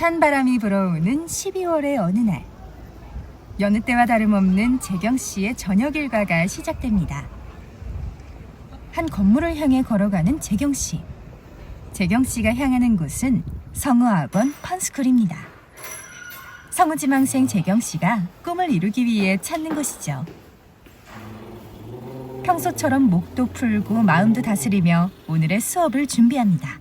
찬 바람이 불어오는 12월의 어느 날, 여느 때와 다름없는 재경 씨의 저녁 일과가 시작됩니다. 한 건물을 향해 걸어가는 재경 씨. 재경 씨가 향하는 곳은 성우학원 펀스쿨입니다. 성우지망생 재경 씨가 꿈을 이루기 위해 찾는 곳이죠. 평소처럼 목도 풀고 마음도 다스리며 오늘의 수업을 준비합니다.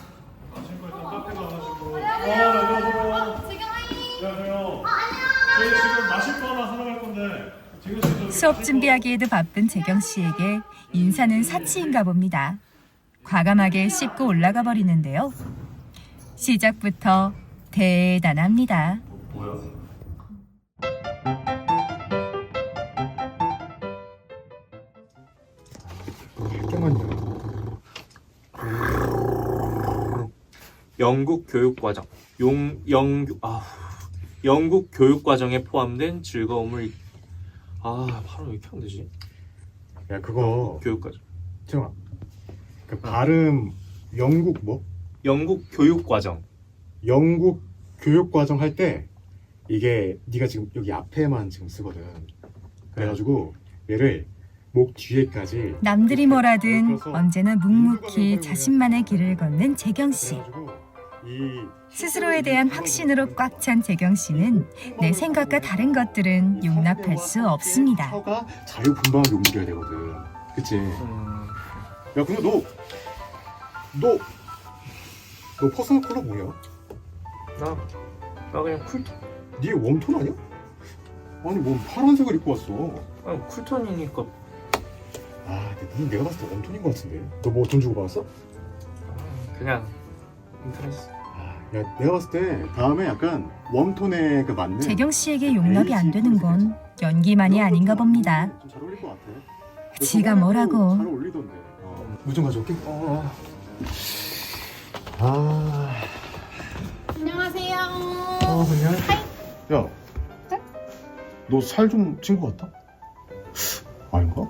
지금 마실 거 하나 사러 갈 건데 수업 준비하기에도 바쁜 재경 씨에게 인사는 사치인가 봅니다. 과감하게 씻고 올라가 버리는데요. 시작부터 대단합니다. 뭐야? 잠깐만요. 영국 교육과정 영국 교육과정에 포함된 즐거움을 바로 왜 이렇게 안 되지? 야 그거 교육과정 정아. 그 발음 영국 뭐? 영국 교육과정 영국 교육과정 할 때 이게 네가 지금 여기 앞에만 지금 쓰거든. 그래가지고 얘를 목 뒤에까지 남들이 뭐라든 그래서 언제나 묵묵히 자신만의 길을 걷는 재경 씨. 그래가지고 이 스스로에 대한 확신으로 꽉 찬 재경 씨는 내 생각과 다른 것들은 용납할 수 없습니다. 혀가 자유분방하게 움직여야 되거든. 그치? 야 근데 너 퍼스널 컬러 뭐냐? 나 그냥 네 웜톤 아니야? 아니 뭐 파란색을 입고 왔어. 쿨톤이니까 근데 내가 봤을 때 웜톤인 것 같은데. 너 뭐 돈 주고 받았어? 그냥 인터넷. 야 내가 봤을 때 다음에 약간 웜톤에 그 맞는 재경 씨에게 용납이 안 되는 건 연기만이 아닌가 봅니다. 좀 잘 어울릴 것 같아. 지가 뭐라고. 잘 어울리던데. 물 좀 가져올게. 안녕하세요. 그냥. 야, 너 살 좀 찐 것 같다? 아닌가?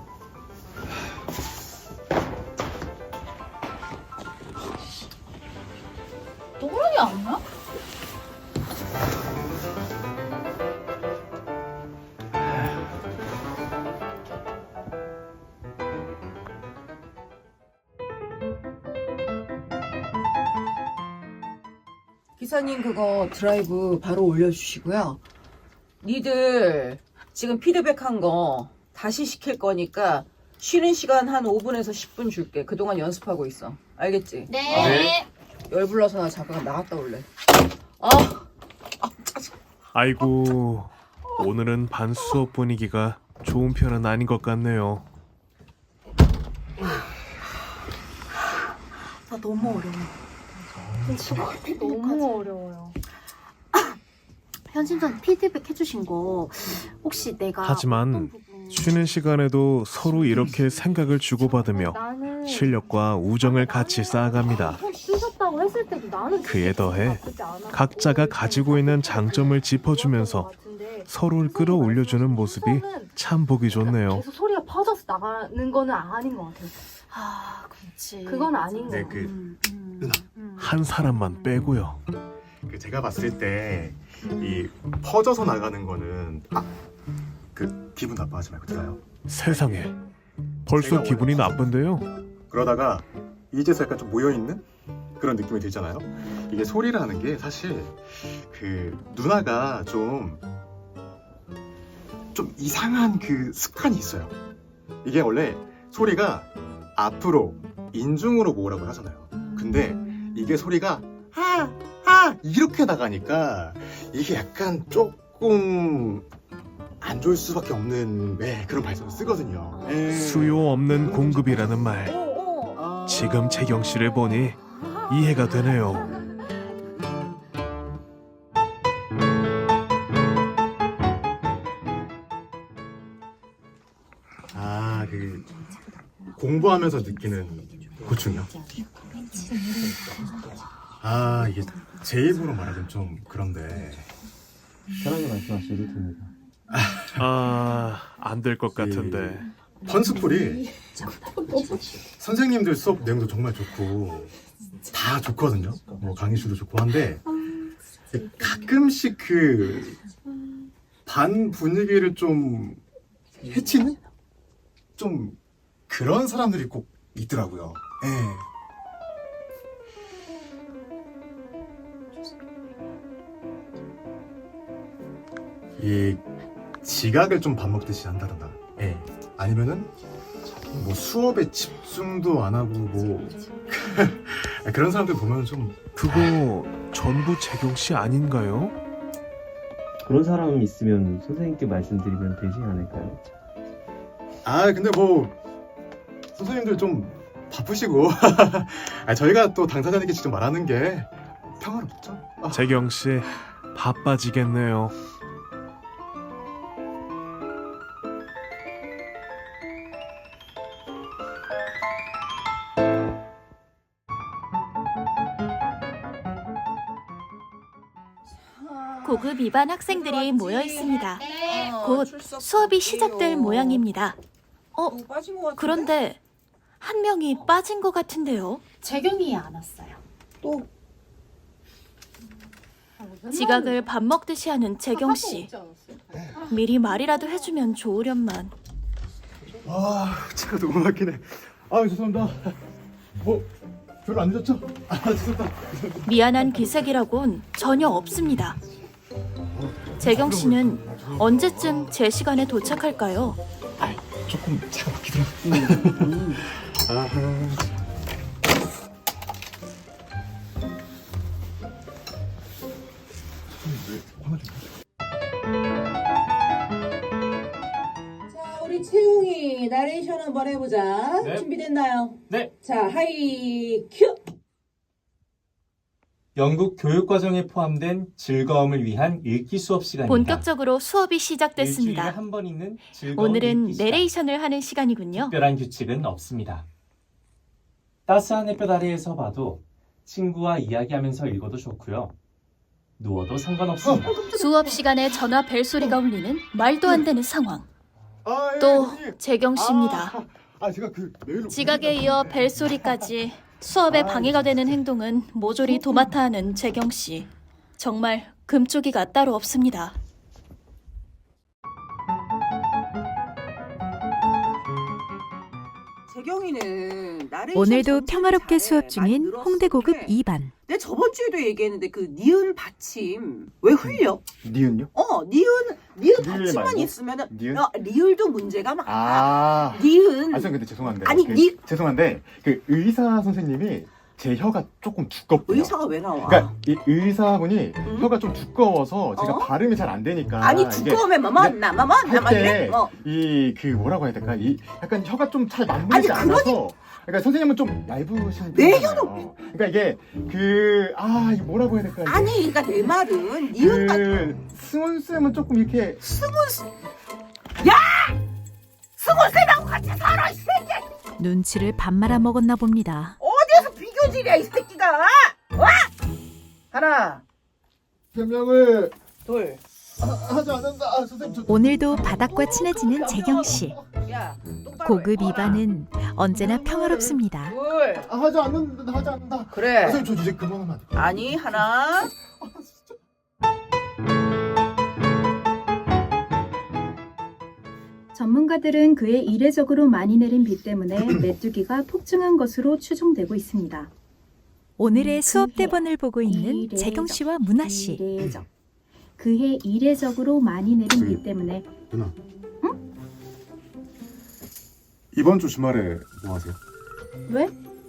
또라이 아니야? 기사님 그거 드라이브 바로 올려주시고요. 니들 지금 피드백한 거 다시 시킬 거니까 쉬는 시간 한 5분에서 10분 줄게. 그동안 연습하고 있어. 알겠지? 네. 열불나서 나 잠깐 나갔다 올래. 짜증. 아이고, 오늘은 반 수업 분위기가 좋은 편은 아닌 것 같네요. 나 너무 어려워. 너무 어려워요. 현진선 피드백 해주신 거 혹시 내가 하지만 어떤 부분- 쉬는 시간에도 서로 이렇게 생각을 주고받으며 나는 실력과 우정을 같이 쌓아갑니다. 쓰셨다고 했을 때도 나는 그에 더해 나쁘지 않았고 각자가 가지고 있는 장점을 짚어주면서 서로를 끌어올려주는 모습이 참 보기 좋네요. 계속 소리가 퍼져서 나가는 거는 아닌 것 같아요. 그렇지. 그건 아닌 것 네, 같아요. 한 사람만 빼고요. 그 제가 봤을 때 이 퍼져서 나가는 거는 그 기분 나빠하지 말고 들어요. 세상에, 벌써 기분이 나쁜데요? 그러다가 이제서 약간 좀 모여있는 그런 느낌이 들잖아요. 이게 소리라는 게 사실 그 누나가 좀 이상한 그 습관이 있어요. 이게 원래 소리가 앞으로 인중으로 모으라고 하잖아요. 근데 이게 소리가 이렇게 나가니까 이게 약간 조금 안 좋을 수밖에 없는 그런 발성을 쓰거든요. 수요 없는 공급이라는 말, 지금 재경 씨를 보니 이해가 되네요. 그 공부하면서 느끼는 고충이요. 이게 제 입으로 말하긴 좀 그런데 편하게 말씀하셔도 됩니다. 안 될 것 같은데. 펀스쿨이 선생님들 수업 내용도 정말 좋고 다 좋거든요. 뭐 강의실도 좋고 한데 가끔씩 그 반 분위기를 좀 해치는 좀 그런 사람들이 꼭 있더라고요. 이 지각을 좀 밥 먹듯이 한다던가. 아니면은 뭐 수업에 집중도 안 하고 뭐 그런 사람들 보면 좀 그거 전부 재경 씨 아닌가요? 그런 사람 있으면 선생님께 말씀드리면 되지 않을까요? 근데 뭐 선생님들 좀 바쁘시고 저희가 또 당사자님께 직접 말하는 게 평화롭죠. 재경 씨 바빠지겠네요. 고급 입안 학생들이 모여 있습니다. 곧 수업이 시작될 모양입니다. 그런데 한 명이 빠진 것 같은데요. 재경이 안 왔어요. 또 지각을 밥 먹듯이 하는 재경 씨. 미리 말이라도 해주면 좋으련만. 차가 너무 막히네. 죄송합니다. 뭐 별로 안 늦었죠? 죄송합니다. 미안한 기색이라곤 전혀 없습니다. 재경 씨는 언제쯤 제 시간에 도착할까요? 조금 차가 막히더라고요. 자, 우리 채용이 나레이션 한번 해보자. 네. 준비됐나요? 네. 자, 하이 큐. 영국 교육과정에 포함된 즐거움을 위한 읽기 수업 시간입니다. 본격적으로 수업이 일주일에 시작됐습니다. 한 번 있는 즐거운 오늘은 읽기 시간. 내레이션을 하는 시간이군요. 특별한 규칙은 없습니다. 따스한 햇볕 아래에서 봐도 친구와 이야기하면서 읽어도 좋고요. 누워도 상관없습니다. 수업 시간에 전화 벨소리가 울리는 말도 안 되는 상황. 또 재경 씨입니다. 제가 그 메일로 지각에 이어 벨소리까지 수업에 방해가 되는 행동은 모조리 도맡아 하는 재경 씨. 정말 금쪽이가 따로 없습니다. 재경이는 나레이션 오늘도 전체를 평화롭게 잘해. 수업 많이 중인 늘었어. 홍대고급 근데 2반. 내 저번 주에도 얘기했는데 그 니은 받침 왜 흘려? 니은요? 니은 받침만 말고? 있으면은 니은? 리을도 문제가 많아. 니은 선생님 근데 죄송한데 아니, 죄송한데 그 의사 선생님이 제 혀가 조금 두껍고요. 의사가 왜 나와? 그러니까 이 의사분이 응? 혀가 좀 두꺼워서 제가 어? 발음이 잘 안 되니까 아니 두꺼우면 나만 이래? 이 그 뭐라고 해야 될까? 이 약간 혀가 좀 잘 아니, 맞물리지 않아서 그러니까 선생님은 좀 얇으신 내 편이잖아요. 그러니까 이게 이게 뭐라고 해야 될까? 이게 아니 그러니까 내 말은 니은 받 승훈 쌤은 조금 이렇게 승훈 쌤하고 같이 살아 이 새끼. 눈치를 밥 말아 먹었나 봅니다. 어디에서 비교질이야 이 새끼가? 와! 하나 변명을 둘 하지 않는다. 선생님 오늘도 바닥과 친해지는 재경 씨. 야, 똑바로 고급 해. 2반은 언제나 평화롭습니다. 둘 하지 않는다. 그래 선생님 저 이제 그만하면 안 돼요? 아니 하나 전문가들은 그의 이례적으로 많이 내린 비 때문에 메뚜기가 폭증한 것으로 추정되고 있습니다. 오늘의 수업 대본을 보고 있는 재경 씨와 문아 씨. 이례적. 그해 이례적으로 많이 내린 비 때문에 누나. 이번 주 주말에 뭐 하세요? 왜?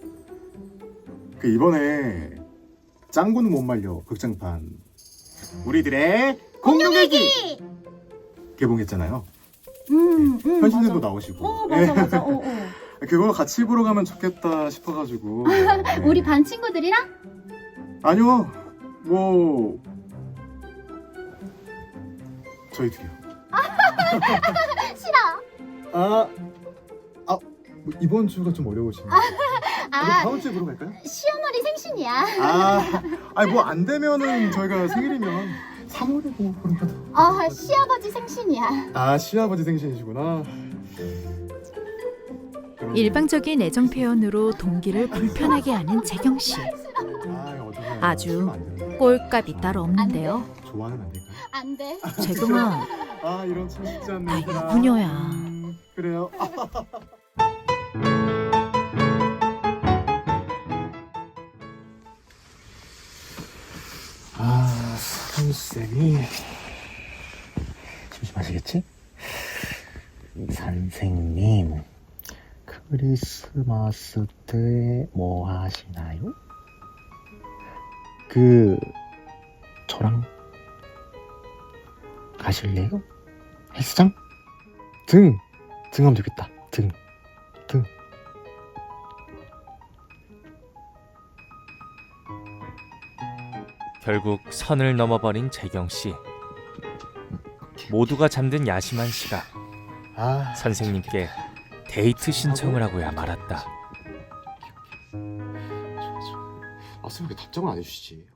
그 이번에 짱구는 못 말려 극장판 우리들의 공룡얘기 개봉했잖아요. 현신님도 맞아. 나오시고. 맞아. 그거 같이 보러 가면 좋겠다 싶어가지고. 네. 우리 반 친구들이랑? 아니요. 뭐 저희 둘이요. 싫어. 뭐 이번 주가 좀 어려우시네요. 그럼 다음 주에 보러 갈까요? 시어머니 생신이야. 아니 뭐 안 되면은 저희가 생일이면 3월에 뭐 그러면. 시아버지 생신이야. 시아버지 생신이시구나. 일방적인 애정 표현으로 동기를 불편하게 하는 재경 씨. 아주 꼴값이 따로 없는데요. 좋아하는 안 될까요? 안 돼. 재경아, 아 이런 참 쉽지 않네. 나 얘들아. 유부녀야. 그래요. 아 선생님이 심심하시겠지? 선생님 크리스마스 때 뭐 하시나요? 저랑 가실래요? 헬스장? 등하면 되겠다. 등. 결국 선을 넘어버린 재경 씨. 모두가 잠든 야심한 시각. 아 선생님께 데이트 신청을 하고야 말았다. 아 선생님 왜 답장을 안 해주시지?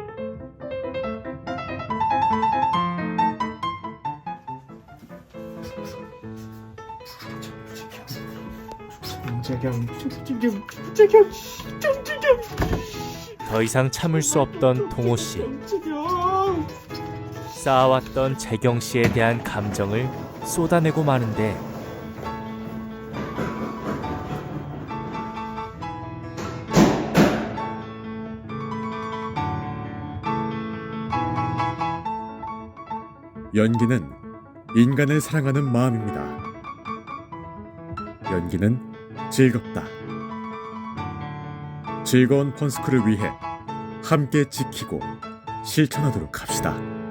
더 이상 참을 수 없던 동호 씨. 쌓아왔던 재경 씨에 대한 감정을 쏟아내고 마는데 연기는 인간을 사랑하는 마음입니다. 연기는 즐겁다. 즐거운 펀스크를 위해 함께 지키고 실천하도록 합시다.